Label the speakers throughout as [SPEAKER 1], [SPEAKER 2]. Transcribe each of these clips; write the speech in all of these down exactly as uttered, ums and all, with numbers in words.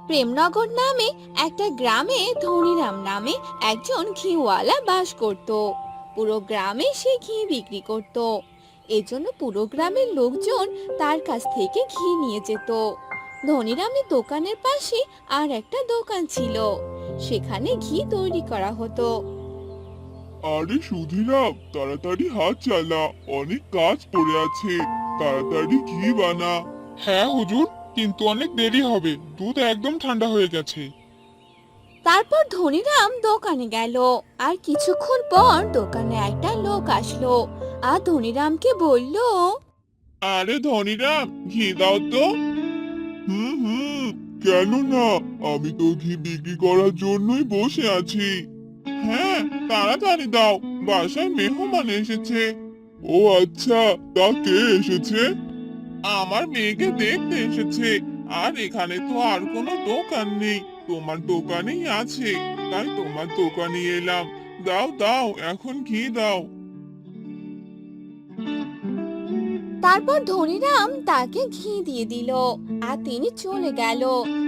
[SPEAKER 1] প্রেমনগর নামে একটা গ্রামে ধনীরাম নামে একজন ঘিওয়ালা বাস করত। পুরো গ্রামে সে ঘি বিক্রি করত। এজন্য পুরো গ্রামের লোকজন তার কাছ থেকে ঘি নিয়ে যেত। ধনীরামের দোকানের পাশে আর একটা দোকান ছিল, সেখানে ঘি তৈরি করা হতো।
[SPEAKER 2] আরে সুধীরাম, তাড়াতাড়ি হাত চালা, অনেক কাজ পড়ে আছে। তাড়াতাড়ি ঘি বানা।
[SPEAKER 3] হ্যাঁ হুজুর, কিন্তু অনেক দেরি হবে, দুধ একদম ঠান্ডা হয়ে গেছে।
[SPEAKER 1] তারপর ধনীরাম দোকানে গেল, আর কিছুক্ষণ পর দোকানে একটা লোক আসলো আর ধনীরামকে বলল,
[SPEAKER 2] আরে ধনীরাম, ঘি দাও তো। হুম হুম, কেন না, আমি তো ঘি বিক্রি করার জন্যই বসে আছি। হ্যাঁ, তাড়াতাড়ি দাও, বাসায় মেহমান এসেছে। ও আচ্ছা, তা কে এসেছে? আমার মেয়েকে দেখতে এসেছে। আর এখানে তো আর কোনো দোকান নেই, তোমার দোকানেই আছে, তাই তোমার দোকানে এলাম। দাও দাও, এখন ঘি দাও।
[SPEAKER 1] তারপর ধনীরাম তাকে ঘি দিয়ে দিল আর তিনি চলে গেল।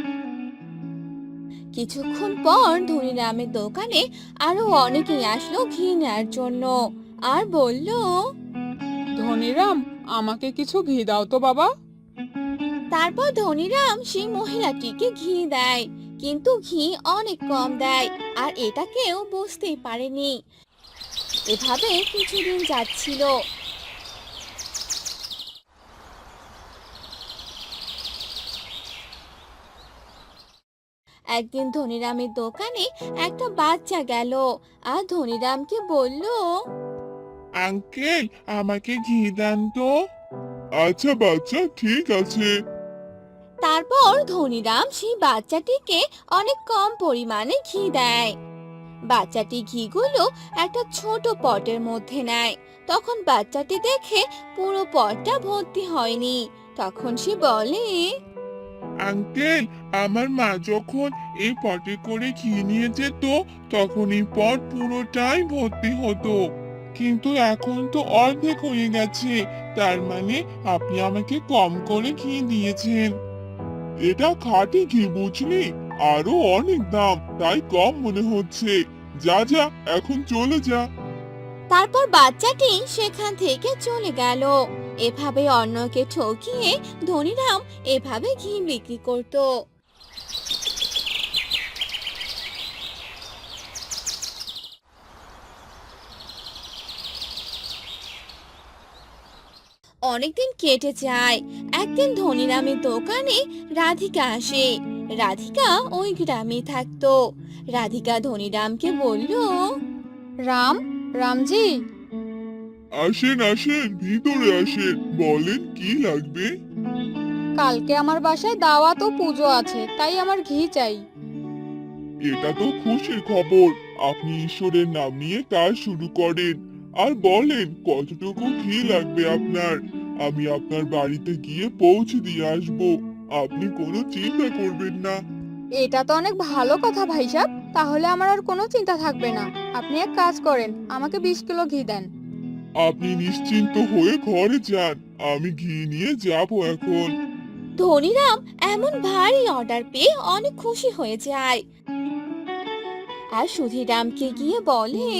[SPEAKER 1] কিছুক্ষণ পর ধনীরামের দোকানে আরো অনেকেই আসলো ঘি নেয়ার জন্য আর বলল,
[SPEAKER 4] ধনীরাম, আমাকে কিছু ঘি দাও তো বাবা।
[SPEAKER 1] তারপর ধনীরাম সেই মহিলাটিকে ঘি দেয়, কিন্তু ঘি অনেক কম দেয় আর এটা কেউ বুঝতেই পারেনি। এভাবে কিছুদিন যাচ্ছিল। একদিন ধনীরামের দোকানে একটা বাচ্চা গেল আর ধনীরামকে বলল,
[SPEAKER 2] আঙ্কেল, আমাকে ঘি দেন তো। আচ্ছা বাচ্চা, ঠিক আছে।
[SPEAKER 1] তারপর ধনীরাম সেই বাচ্চাটিকে অনেক কম পরিমাণে ঘি দেয়। বাচ্চাটি ঘিগুলো একটা ছোট পটের মধ্যে নেয়। তখন বাচ্চাটি দেখে পুরো পটটা ভর্তি হয়নি। তখন সে বলে,
[SPEAKER 2] আঙ্কেল, আমার মা যখন এই পটে করে ঘি নিয়ে যেত, তখন এই পট পুরোটাই ভর্তি হতো, কিন্তু এখন তো অর্ধেক হয়ে গেছে। তার মানে আপনি আমাকে কম করে ঘি দিয়েছেন। এটা খাঁটি ঘি, বুঝলি? আরো অনেক দাম, তাই কম মনে হচ্ছে। যা যা, এখন চলে যা।
[SPEAKER 1] তারপর বাচ্চাটি সেখান থেকে চলে গেল। এভাবে অন্যকে ঠকিয়ে ধনীরাম এভাবে ঘি বিক্রি করত। অনেকদিন কেটে যায়। একদিন ধনীরামের দোকানে রাধিকা আসে। রাধিকা ওই গ্রামে থাকতো। রাধিকা ধনীরামকে বলল,
[SPEAKER 4] রাম, রামজি,
[SPEAKER 2] আসেন আসেন, ভিতরে আসেন, বলেন কি লাগবে।
[SPEAKER 4] কালকে আমার বাসায় দাওয়াত ও পুজো আছে, তাই আমার ঘি চাই।
[SPEAKER 2] এটা তো খুশির খবর। আপনি ঈশ্বরের নাম নিয়ে কাজ শুরু করেন আর বলেন কতটুকু ঘি লাগবে আপনার। আমি আপনার বাড়িতে গিয়ে পৌঁছে দিয়ে আসব। আপনি কোনো চিন্তা করবেন না।
[SPEAKER 4] এটা তো অনেক ভালো কথা ভাই সাহেব, তাহলে আমার আর কোনো চিন্তা থাকবে না। আপনি এক কাজ করেন, আমাকে বিশ কিলো ঘি দেন।
[SPEAKER 2] আপনি নিশ্চিন্ত হয়ে ঘরে যান, আমি ঘি নিয়ে যাব এখন।
[SPEAKER 1] ধনীরাম এমন ভারী অর্ডার পেয়ে অনেক খুশি হয়ে যায় আর সুধীরামকে গিয়ে বলে,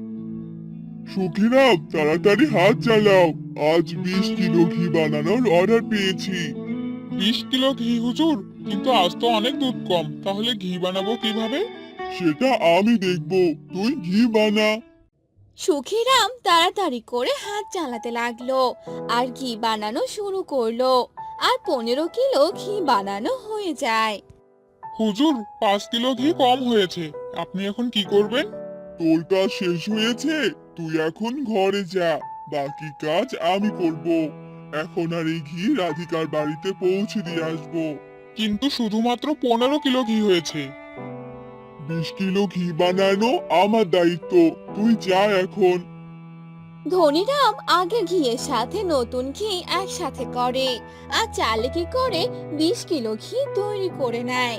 [SPEAKER 2] সুখিরাম, তাড়াতাড়ি হাত চালাও, আজ বিশ কিলো ঘি বানানোর অর্ডার পেয়েছি।
[SPEAKER 3] বিশ কিলো ঘি হুজুর, কিন্তু আজ তো অনেক দুধ কম, তাহলে ঘি বানাবো কিভাবে?
[SPEAKER 2] সেটা আমি দেখব, তুই ঘি বানা।
[SPEAKER 1] সুখীরাম তাড়াতাড়ি করে হাত চালাতে লাগলো আর ঘি বানানো শুরু করলো। আর পনেরো কিলো ঘি বানানো হয়ে যায়।
[SPEAKER 3] হুজুর, পাঁচ কিলো ঘি কম হয়েছে, আপনি এখন কি করবেন?
[SPEAKER 2] তোর কাজ শেষ হয়েছে, তুই এখন ঘরে যা, বাকি কাজ আমি করব। এখন আর এই ঘি রাধিকার বাড়িতে পৌঁছে দিয়ে আসবো।
[SPEAKER 3] কিন্তু শুধুমাত্র পনেরো কিলো ঘি হয়েছে।
[SPEAKER 2] বিশ কিলো ঘি বানানো আমার দায়িত্ব, তুই যা এখন।
[SPEAKER 1] ধনীরাম আগে ঘিয়ের সাথে নতুন ঘি একসাথে করে আর চালাকি করে বিশ কিলো ঘি তৈরি করে নেয়।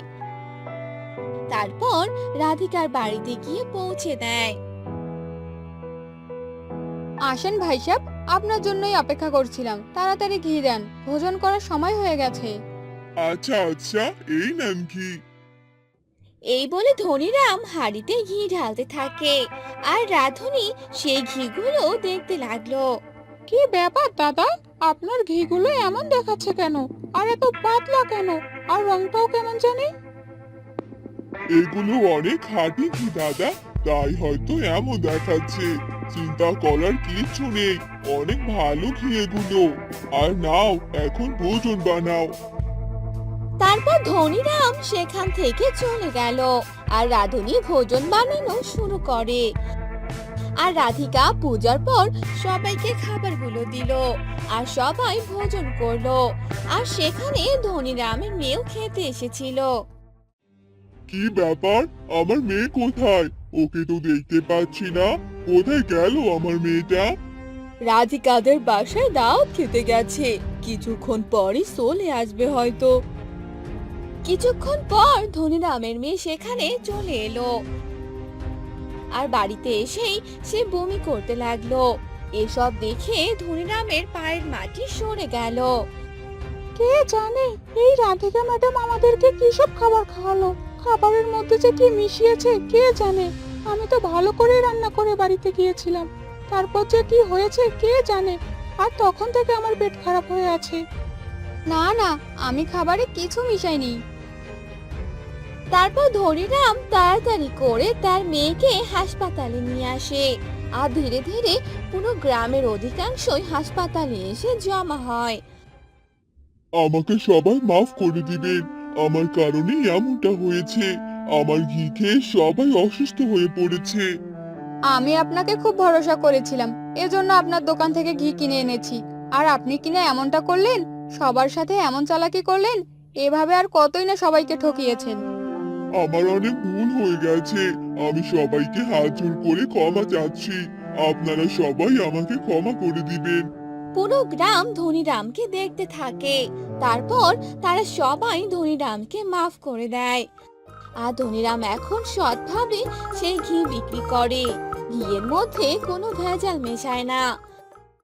[SPEAKER 1] তারপর রাধিকার বাড়িতে গিয়ে পৌঁছে দেয়।
[SPEAKER 4] আসেন ভাই সাহেব, আপনার জন্যই অপেক্ষা করছিলাম, তাড়াতাড়ি ঘি দেন, ভোজন করার সময় হয়ে গেছে।
[SPEAKER 2] আচ্ছা আচ্ছা, এই নেন ঘি।
[SPEAKER 1] এই বলে ধনীরাম হাঁড়িতে ঘি ঢালতে থাকে আর রাধুনি সেই ঘিগুলো দেখতে লাগলো।
[SPEAKER 4] কি ব্যাপার দাদা, আপনার ঘিগুলো এমন দেখাচ্ছে কেন? আর এত পাতলা কেন? আর রংটাও কেমন জানি।
[SPEAKER 2] এগুলো অনেক খাঁটি ঘি দাদা, তাই হয়তো এমন দেখাচ্ছে। চিন্তা করার কিচ্ছু নেই, অনেক ভালো ঘি এগুলো। আর নাও, এখন ভোজন বানাও।
[SPEAKER 1] তারপর ধনীরাম সেখান থেকে চলে গেল আর রাধুনি ভোজন বানানো শুরু করে। আর রাধিকা পূজার পর সবাইকে খাবারগুলো দিল আর সবাই ভোজন করলো। আর সেখানে ধনীরামের মেয়েও খেতে এসেছিল।
[SPEAKER 2] কি ব্যাপার, আমার মেয়ে কোথায়? ওকে তো দেখতে পাচ্ছি না। কোথায় গেল আমার মেয়েটা?
[SPEAKER 1] রাধিকাদের বাসায় দাওয়াত খেতে গেছে, কিছুক্ষণ পরই চলে আসবে হয়তো। কিছুক্ষণ পর ধনীরামের মেয়ে সেখানে চলে এলো আর বাড়িতে এসেই সে বমি করতে লাগলো। এসব দেখে ধনীরামের পায়ের মাটি সরে গেল।
[SPEAKER 4] কে জানে এই রাধিকা ম্যাডাম আমাদেরকে কি সব খাবার খাওয়ালো। খাবারের মধ্যে যে কি মিশিয়েছে কে জানে। আমি তো ভালো করে রান্না করে বাড়িতে গিয়েছিলাম, তারপর যে কি হয়েছে কে জানে। আর তখন থেকে আমার পেট খারাপ হয়ে আছে। না না, আমি খাবারে কিছু মিশাইনি।
[SPEAKER 1] তারপর ধনীরাম তাড়াতাড়ি করে তার মেয়েকে হাসপাতালে নিয়ে আসে আর ধীরে ধীরে পুরো গ্রামের অধিকাংশই হাসপাতালে এসে জমা হয়।
[SPEAKER 2] আমাকে সবাই মাফ করে দিবেন, আমার কারণেই এমনটা হয়েছে। আমার ঘি খেয়ে সবাই অসুস্থ হয়ে পড়েছে।
[SPEAKER 4] আমি আপনাকে খুব ভরসা করেছিলাম, এজন্য আপনার দোকান থেকে ঘি কিনে এনেছি। আর আপনি কিনা এমনটা করলেন, সবার সাথে এমন চালাকি করলেন। এভাবে আর কতই না সবাইকে ঠকিয়েছেন।
[SPEAKER 2] আমার অনেক ভুল হয়ে গেছে, আমি সবাইকে হাত জোর করে ক্ষমা চাচ্ছি। আপনারা সবাই আমাকে ক্ষমা করে দিবেন।
[SPEAKER 1] পুরো গ্রাম ধনীরামকে দেখতে থাকে। তারপর তারা সবাই ধনীরামকে মাফ করে দেয় আর ধনীরাম এখন সৎভাবে সেই ঘি বিক্রি করে। ঘিয়ের মধ্যে কোনো ভেজাল মেশায় না।